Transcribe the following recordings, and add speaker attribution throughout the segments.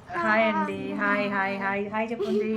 Speaker 1: Hi అండి. Hi hi hi hi చెప్పండి.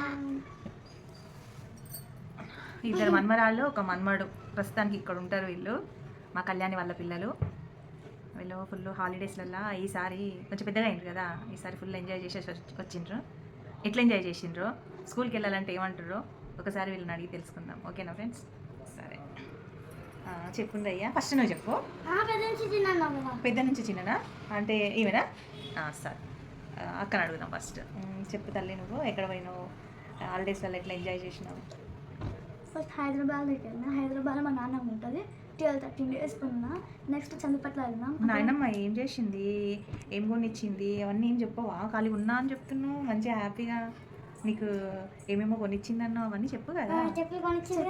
Speaker 1: ఇద్దరు మన్మరాళ్ళు, ఒక మన్మడు. ప్రస్తుతానికి ఇక్కడ ఉంటారు వీళ్ళు. మా కళ్యాణి వాళ్ళ పిల్లలు. వీళ్ళు ఫుల్ హాలిడేస్లల్లో ఈసారి కొంచెం పెద్దగా అయింది కదా, ఈసారి ఫుల్ ఎంజాయ్ చేసేసి వచ్చిండ్రు. ఎట్లా ఎంజాయ్ చేసిండ్రు, స్కూల్కి వెళ్ళాలంటే ఏమంటారో ఒకసారి వీళ్ళని అడిగి తెలుసుకుందాం. ఓకేనా ఫ్రెండ్స్? సరే చెప్పుండ్రు అయ్యా. ఫస్ట్ నువ్వు చెప్పు. పెద్ద నుంచి చిన్ననా అంటే ఈమెనా? సరే అక్కడ అడుగుదాం ఫస్ట్. చెప్పు తల్లి, నువ్వు ఎక్కడ పోయినావు, హాలిడేస్లలో ఎట్లా ఎంజాయ్ చేసినావు?
Speaker 2: ఫస్ట్ హైదరాబాద్కి వెళ్ళినా. హైదరాబాద్లో మా నాన్నమ్మ ఉంటుంది. 12-13 డేస్ ఉన్నా. నెక్స్ట్ చందుపట్ల వెళ్ళినాం.
Speaker 1: నాయనమ్మ ఏం చేసింది, ఏం కొనిచ్చింది అవన్నీ ఏం చెప్పవా? ఖాళీ ఉన్నా అని చెప్తున్నావు, మంచిగా హ్యాపీగా నీకు ఏమేమో కొనిచ్చింది అన్నావు, అవన్నీ చెప్పు కదా.
Speaker 2: చెప్పు కొనిచ్చింది.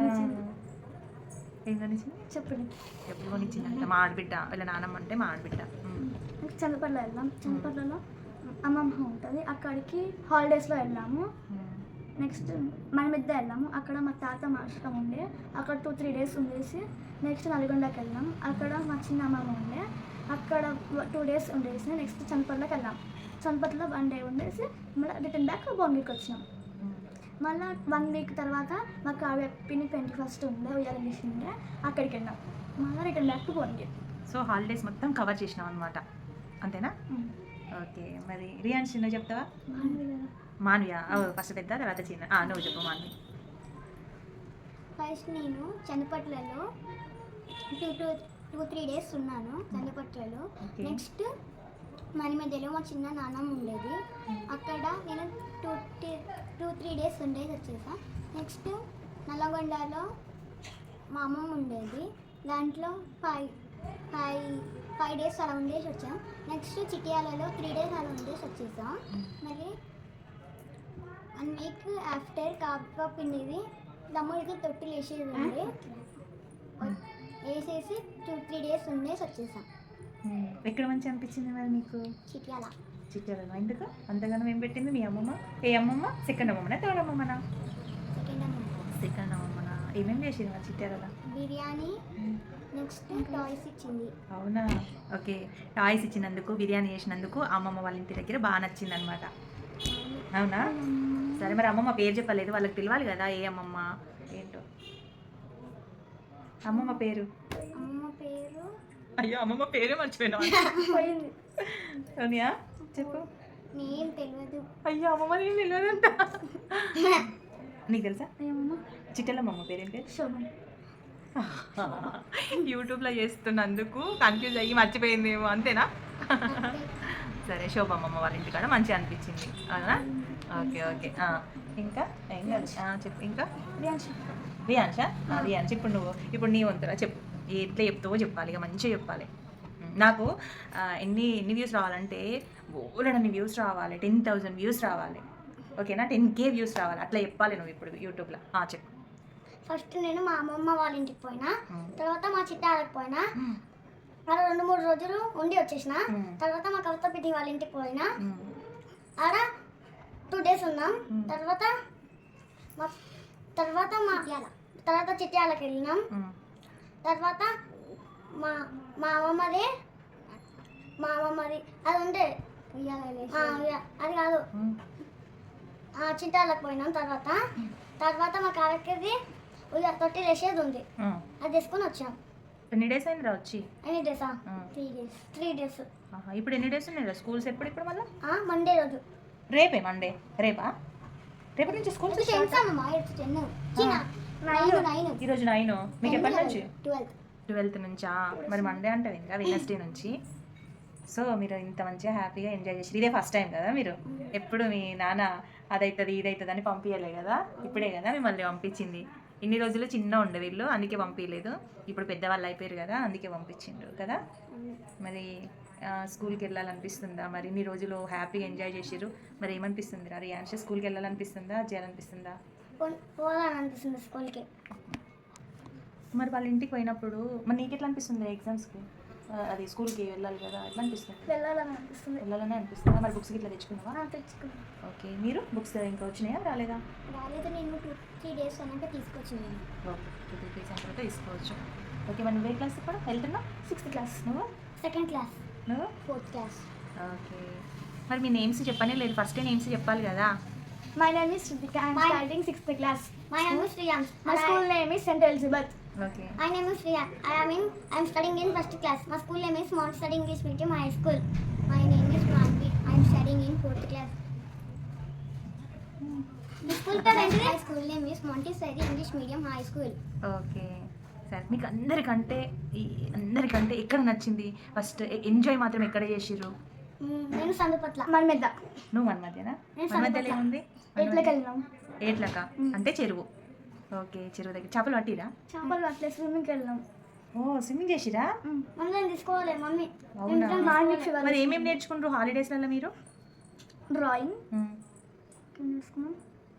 Speaker 1: ఏం కొనిచ్చింది
Speaker 2: చెప్పు.
Speaker 1: ఎప్పుడు కొనిచ్చింది అంటే మా ఆడబిడ్డ, వీళ్ళ నానమ్మ అంటే మా ఆడబిడ్డ.
Speaker 2: నెక్స్ట్ చందుపట్ల వెళ్ళాం. చందుపట్లలో అమ్మమ్మ ఉంటుంది, అక్కడికి హాలిడేస్లో వెళ్ళాము. నెక్స్ట్ మనమిద్ద వెళ్ళాము. అక్కడ మా తాత మాస్టర్ ఉండే, అక్కడ 2-3 డేస్ ఉండేసి నెక్స్ట్ నల్గొండకి వెళ్ళాం. అక్కడ మా చిన్న అమ్మమ్మ ఉండే, అక్కడ 2 డేస్ ఉండేసి నెక్స్ట్ చంపట్లోకి వెళ్ళాం. చంపట్లో 1 డే ఉండేసి మళ్ళీ రిటర్న్ బ్యాక్ భువనగిరికి వచ్చినాం. మళ్ళీ 1 వీక్ తర్వాత మా కావ్య పిన్ని 21st ఉండే, ఉయ్యాల ఉండే, అక్కడికి వెళ్ళాం. మళ్ళీ return back to Bhuvanagiri.
Speaker 1: So holidays మొత్తం కవర్ చేసినాం అనమాట, అంతేనా? ఓకే. మరి రియాన్స్ నువ్వు చెప్తావా? మాన్వియా ఫస్ట్ పెద్ద, తర్వాత చిన్న. నువ్వు చెప్పు మాన్వి.
Speaker 3: ఫస్ట్ నేను చందుపట్లలో 2-3 డేస్ ఉన్నాను చందుపట్లలో. నెక్స్ట్ మని మధ్యలో మా చిన్న నాన్నమ్మ ఉండేది, అక్కడ నేను 2-3 డేస్ ఉండేసి వచ్చేసా. నెక్స్ట్ నల్లగొండలో మా అమ్మమ్మ ఉండేది, దాంట్లో 5 డేస్ అలా ఉండేసి వచ్చాం. నెక్స్ట్ చిటియాలలో 3 డేస్ అలా ఉండేసి వచ్చేసాం. మళ్ళీ 1 వీక్ ఆఫ్టర్ కాపా పిండిది తమ్ముడికి తొట్టిలు వేసేది ఉండి వేసేసి 2-3 డేస్ ఉండేసి వచ్చేసాం.
Speaker 1: ఎక్కడ మంచి అనిపించింది మరి నీకు?
Speaker 3: చిట్యాల.
Speaker 1: చిట్యాలలో ఎందుకు అంతగానో ఏం పెట్టింది మీ అమ్మమ్మ? ఏ అమ్మమ్మ? సెకండ్ అమ్మమ్మనా, థర్డ్ అమ్మమ్మనా? సెకండ్ అమ్మమ్మనా? ఏమేమి చేసింది మరి చిట్యాలలో?
Speaker 3: బిర్యానీ, నెక్స్ట్ టాయ్స్ ఇచ్చింది.
Speaker 1: అవునా? ఓకే. టాయ్స్ ఇచ్చినందుకు, బిర్యానీ చేసినందుకు అమ్మమ్మ వాళ్ళ ఇంటి దగ్గర బాగా నచ్చింది అనమాట. అవునా? సరే, మరి అమ్మమ్మ పేరు చెప్పలేదు, వాళ్ళకి తెలియాలి కదా ఏ అమ్మమ్మ ఏంటో. అమ్మమ్మ పేరు?
Speaker 3: అమ్మమ్మ పేరు
Speaker 1: అయ్యో, అమ్మమ్మ పేరే మర్చిపోయినా. సోనియా చెప్పు.
Speaker 3: నేమ్ తెలియదు.
Speaker 1: అయ్యో, అమ్మమ్మ నేను తెలియదంట. నీకు తెలుసా? చిట్టెల అమ్మమ్మ పేరేం పేరు?
Speaker 2: శోభన్.
Speaker 1: యూట్యూబ్లో చేస్తున్నందుకు కన్ఫ్యూజ్ అయ్యి మర్చిపోయిందేమో, అంతేనా? సరే, శోభమ్మమ్మ వాళ్ళ ఇంటికాడ మంచిగా అనిపించింది, అవునా? Okay okay. ఇంకా ఏం కాదు, చెప్పు. ఇంకా రియాన్ష. రియాన్ష, ఇప్పుడు నీ వంతురా చెప్పు. ఎట్లా చెప్తావో చెప్పాలి, ఇక మంచిగా చెప్పాలి. నాకు ఎన్ని వ్యూస్ రావాలంటే బోలెడన్ని వ్యూస్ రావాలి, 10,000 వ్యూస్ రావాలి, ఓకేనా? 10K వ్యూస్ రావాలి, అట్లా చెప్పాలి నువ్వు ఇప్పుడు యూట్యూబ్లో. చెప్పు.
Speaker 3: ఫస్ట్ నేను మా అమ్మమ్మ వాళ్ళ ఇంటికి పోయినా, తర్వాత మా చిట్టాలకు పోయినా, అలా 2-3 రోజులు ఉండి వచ్చేసిన. తర్వాత మా కవిత పిటి వాళ్ళ ఇంటికి పోయినా, ఆడ 2 డేస్ ఉన్నాం. తర్వాత చిట్యాలకు వెళ్ళినాం. తర్వాత మా అమ్మమ్మది అది ఉండే అది కాదు, చిట్టాలకు పోయినాం. తర్వాత మా కావ్యకి తొట్టిలు వేసేది ఉంది, అది తీసుకొని వచ్చాం.
Speaker 1: ఎన్ని డేస్ అయింది వచ్చి?
Speaker 3: ఎన్ని డేసా? 3 డేస్.
Speaker 1: ఇప్పుడు ఎన్ని డేస్ ఉన్నాయి స్కూల్స్? ఇప్పుడు మళ్ళీ
Speaker 3: మండే రోజు.
Speaker 1: రేపే మండే? రేపా? రేపటి నుంచి స్కూల్స్? ఈరోజు 9. మీకు ఎప్పటి నుంచి? 12th నుంచా? మరి మండే అంటావు ఇంకా, వెడ్నెస్డే నుంచి. సో మీరు ఇంత మంచిగా హ్యాపీగా ఎంజాయ్ చేసి, ఇదే ఫస్ట్ టైం కదా మీరు? ఎప్పుడు మీ నాన్న అదవుతుంది ఇదవుతుంది అని పంపించలే కదా, ఇప్పుడే కదా మిమ్మల్ని పంపించింది. ఇన్ని రోజులు చిన్న ఉండే వీళ్ళు, అందుకే పంపించలేదు. ఇప్పుడు పెద్దవాళ్ళు అయిపోయారు కదా, అందుకే పంపించిండ్రు కదా. మరి స్కూల్కి వెళ్ళాలనిపిస్తుందా? మరి ఇన్ని రోజులు హ్యాపీగా ఎంజాయ్ చేసిర్రు, మరి ఏమనిపిస్తుంది రా రియాన్ష? స్కూల్కి వెళ్ళాలనిపిస్తుందా, చేయాలనిపిస్తుందా?
Speaker 3: పోవాలనిపిస్తుంది స్కూల్కి.
Speaker 1: మరి వాళ్ళ ఇంటికి పోయినప్పుడు మరి నీకు ఎట్లా అనిపిస్తుంది ఎగ్జామ్స్కి? అది స్కూల్కి వెళ్ళాలి కదా, ఎట్లా అనిపిస్తుంది? వెళ్ళాలని అనిపిస్తుందా? మరి బుక్స్కి ఇట్లా తెచ్చుకున్నావా?
Speaker 3: తెచ్చుకున్నా.
Speaker 1: ఓకే. మీరు బుక్స్ ఇంకా వచ్చినాయా, రాలేదా?
Speaker 3: రాలేదు, నేను 2-3 డేస్ అన్నాక తీసుకొచ్చినాను.
Speaker 1: ఓకే, 2-3 డేస్ అయిన తర్వాత తీసుకోవచ్చు. ఓకే. మరి నువ్వే క్లాస్ ఇప్పుడు వెళ్తున్నావు?
Speaker 2: 6th class.
Speaker 1: నువ్వు?
Speaker 3: 2nd class.
Speaker 1: నువ్వు?
Speaker 3: 4th class.
Speaker 1: ఓకే. మరి మీ నేమ్స్ చెప్పనే లేదు, ఫస్ట్ నేమ్స్ చెప్పాలి కదా.
Speaker 2: My name is Shruthika, I'm
Speaker 3: My-
Speaker 2: starting 6th class.
Speaker 3: My name is Shriyam.
Speaker 2: My school name is saint Elizabeth.
Speaker 1: Okay.
Speaker 3: My name is Shriyam. I am studying in first class. My school name is Mount Study English Medium High School. My name is Manvi. I am studying in 4th class. The school parent my school name is Montessori English Medium High School.
Speaker 1: Okay సరే, మీకు అందరికంటే ఎక్కడ నచ్చింది? First enjoy మాత్రం ఎక్కడ చేసిర్రు?
Speaker 3: నేను సందుపట్ల.
Speaker 2: మన మీద
Speaker 1: నువ్వు మన మధ్యనా?
Speaker 3: నేను
Speaker 1: మన మధ్యలో ఏముంది?
Speaker 2: ఎట్లకి వెళ్ళినాం,
Speaker 1: ఏట్లక అంటే చెరువు. ఓకే, చెరువు దగ్గర చేపలు పట్టిరా?
Speaker 2: చేపలు అట్లే స్విమ్మింగ్కి వెళ్ళినాం.
Speaker 1: ఓ, స్విమ్మింగ్ చేసిరా?
Speaker 3: మమ్మల్ని తీసుకోవాలి మమ్మీ.
Speaker 1: అవునా?
Speaker 2: మార్నింగ్ ఫీవర్,
Speaker 1: మరి ఏమేమి నేర్చుకుంటారు హాలిడేస్లలో మీరు?
Speaker 2: డ్రాయింగ్
Speaker 1: మ్మ్.
Speaker 2: నేర్చుకున్నాం.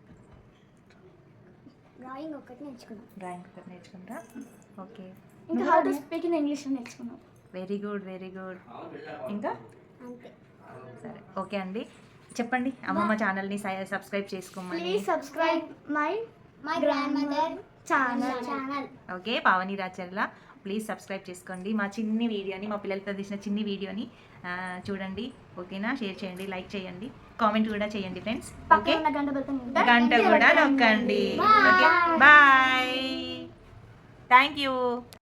Speaker 3: డ్రాయింగ్ ఒకటి నేర్చుకున్నాం.
Speaker 1: డ్రాయింగ్ ఒకటి నేర్చుకుంటారా? ఓకే,
Speaker 2: ఇంకా how to speak in English నేర్చుకున్నాం.
Speaker 1: Very good, very good. ఇంకా
Speaker 3: అంతే.
Speaker 1: సరే, ఓకే అండి. చెప్పండి, అమ్మమ్మ ఛానల్ని సబ్స్క్రైబ్ చేసుకోమని.
Speaker 2: Please subscribe my
Speaker 3: my grandmother
Speaker 2: channel.
Speaker 1: Okay, Pavani Racharla, please subscribe చేసుకోండి. మా చిన్ని వీడియోని, మా పిల్లలతో తీసిన చిన్ని వీడియోని చూడండి. ఓకేనా? షేర్ చేయండి, లైక్ చేయండి, కామెంట్ కూడా చేయండి ఫ్రెండ్స్. ఓకే,
Speaker 2: పక్కన ఉన్న గంట బెల్
Speaker 1: గంట కూడా నొక్కండి. Okay, bye. Thank you.